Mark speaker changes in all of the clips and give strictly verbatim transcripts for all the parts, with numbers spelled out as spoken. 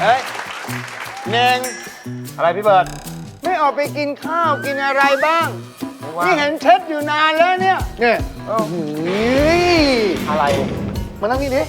Speaker 1: เฮ้ยเน่ง
Speaker 2: อะไรพี่เบิร์ด
Speaker 1: ไม่ออกไปกินข้าวกินอะไรบ้างนี่เห็นเช็ดอยู่นานแล้วเนี่ยเนี่ยโอ้โห
Speaker 2: อะไรมานั่งนี่ดิ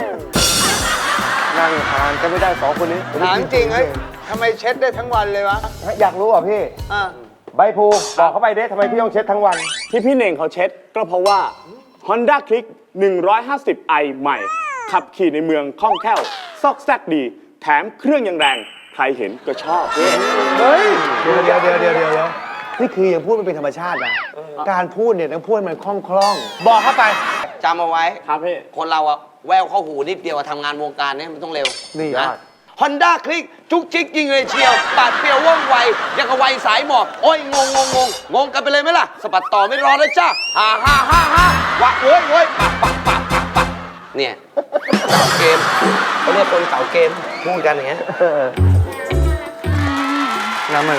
Speaker 2: นั่งทานก็ไม่ได้สองคนนี้
Speaker 1: ถามจริงเฮ้ยทำไมเช็ดได้ทั้งวันเลยวะ
Speaker 2: อยากรู้อ่ะพี่
Speaker 1: อ่ะ
Speaker 2: ใบพูบอกเขาไปเด้ทำไมพี่ต้องเช็ดทั้งวัน
Speaker 3: ที่พี่เน่งเขาเช็ดก็เพราะว่า Honda Click หนึ่งร้อยห้าสิบไอ ใหม่ ขับขี่ในเมืองคล่องแคล่วซอกแซกดี แถมเครื่องยังแรง ใครเห็นก็ชอบ
Speaker 2: เฮ้ยเดี๋ยวเดี๋ยวเดี๋ยวเดี๋ยวเดี๋ยวนี่คือยังพูดมันเป็นธรรมชาตินะการพูดเนี่ยต้องพูดมันคล่องคล่องบอกเข้าไป
Speaker 4: จำเอาไว้
Speaker 3: ครับพี่
Speaker 4: คนเราอะแววเข้าหูนิดเดียวอะทำงานวงการเนี้มันต้องเร็ว
Speaker 2: นี่
Speaker 4: นะฮอนด้าคลิกจุกจิกยิงเลยเชียวปาดเปรียวว่องไวยังกับไวสายหมอบโอ้ยงงงงงงงกันไปเลยไหมล่ะสะบัดต่อไม่รอเลยจ้าฮ่าฮ่าฮ่าฮ่าวะเว้ยเว้ยปักปักปักปักปักเนี่ยเก่าเกมเขาเรียกคนเก่าเกมพูดกันอย่างเงี้ย
Speaker 2: น้ำมัน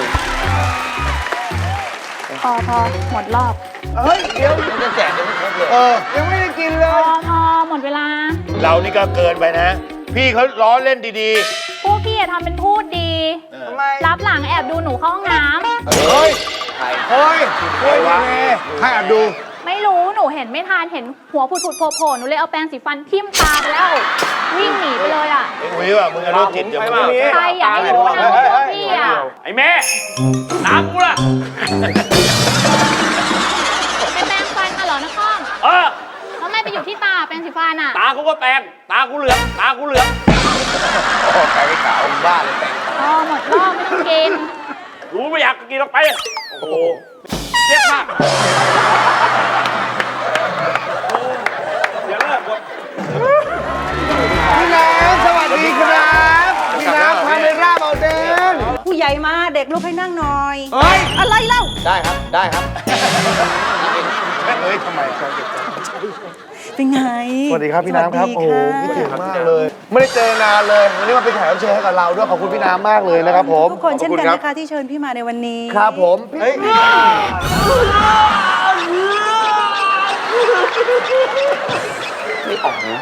Speaker 5: พอพอหมดรอบ
Speaker 1: เฮ้ยเดี๋ยว
Speaker 4: มันจะแจกยังไม่ครบเลย
Speaker 2: เออ
Speaker 1: ยังไม่ได้กินเล
Speaker 5: พอย พอหมดเวลา
Speaker 6: เรานี่ก็เกินไปนะ พี่เขาล้อเล่นดี
Speaker 5: พวกพี่อะทำเป็นพูดดี
Speaker 1: ทำไม
Speaker 5: รับหลังแอบดูหนูเข้าห้องน้
Speaker 2: เฮ้ย
Speaker 4: ใคร
Speaker 2: เฮ้ยเฮ้ยยังไงให้แอบดู
Speaker 5: ำไม่รู้หนูเห็นไม่ทันเห็นหัวผุดผุดโผล่โผล่หนูเลยเอาแปรงสีฟันทิ่มตาไปแล้ว วิ่งหนีไปเลยอ่ะ
Speaker 6: ๆไอ้อุ้ยว่ะมึงอะโรคจิตอย่ามา
Speaker 5: ใครอยากให้รู้นะว่าพวกพี่อ่ะ
Speaker 3: ไอ้แม่น้ำกูล่ะ
Speaker 5: ไปแปรงฟันมาเหรอนะข้อง
Speaker 3: เออ
Speaker 5: แล้วไม่ไปอยู่ที่ตาแปรงสีฟันอ่ะ
Speaker 3: ตากูก็แปลงตากูเหลืองตากูเหลือง
Speaker 4: บ้าเลยแต่ง
Speaker 5: พอหมดรอบไม่ต้องกิน
Speaker 3: รู้ไม่อยากกินออกไป โอ้โหเจ็บมากอย่าเลิกหมด
Speaker 1: พี่น้ำสวัสดีครับพี่น้ำพาเมร่าเบาเดน
Speaker 7: ผู้ใหญ่มาเด็กลุกให้นั่งหน่อย
Speaker 1: เฮ้ย
Speaker 7: อะไรเล่า
Speaker 4: ได้ครับได้ครับ
Speaker 6: เฮ้ยทำไม
Speaker 7: เป็นไง
Speaker 2: สวัสดีครับพี่น้ำครับ
Speaker 7: ส
Speaker 2: โอ้
Speaker 7: วัส
Speaker 2: โห
Speaker 7: ดี
Speaker 2: คิดถึง
Speaker 7: ค่ะ
Speaker 2: มากเลย ไม่ได้เจอนานเลยวันนี้มาเป็นแขกรับเชิญให้กับเราด้วยขอบคุณพี่น้ำมากเลยนะครับผม
Speaker 7: ทุกคนเช่นกัน
Speaker 2: ขอบณ
Speaker 7: นะคะที่เชิญพี่มาในวันนี้
Speaker 2: ครับผมเฮ้ยไม่ออกนะ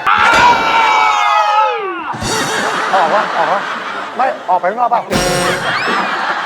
Speaker 2: ออกวะออกวะไม่ออกไปข้างนอกเปล่า